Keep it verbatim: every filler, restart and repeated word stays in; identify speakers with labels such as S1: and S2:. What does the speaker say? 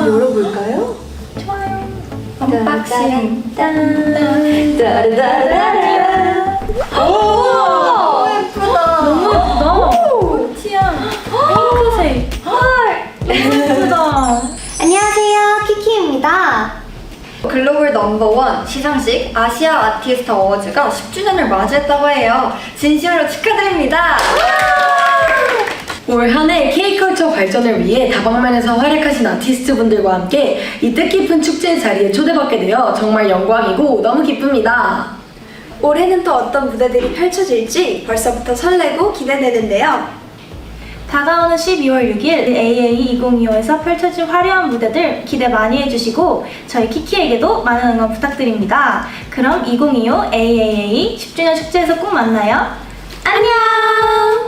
S1: 열어볼까요?
S2: 좋아요. 언박싱.
S1: 따라따라따라. 오! 예쁘다.
S2: 너무 예쁘다. 꽃이야. 핑크색. 헐. 너무 예쁘다.
S3: 안녕하세요, 키키입니다.
S4: 글로벌 넘버원 시상식 아시아 아티스트 어워즈가 십 주년을 맞이했다고 해요. 진심으로 축하드립니다.
S1: 올 한 해 K컬처 발전을 위해 다방면에서 활약하신 아티스트분들과 함께 이 뜻깊은 축제 자리에 초대받게 되어 정말 영광이고 너무 기쁩니다.
S5: 올해는 또 어떤 무대들이 펼쳐질지 벌써부터 설레고 기대되는데요.
S2: 다가오는 십이월 육일 에이에이 이천이십오에서 펼쳐질 화려한 무대들 기대 많이 해주시고 저희 키키에게도 많은 응원 부탁드립니다. 그럼 이천이십오 에이에이에이 십 주년 축제에서 꼭 만나요. 안녕!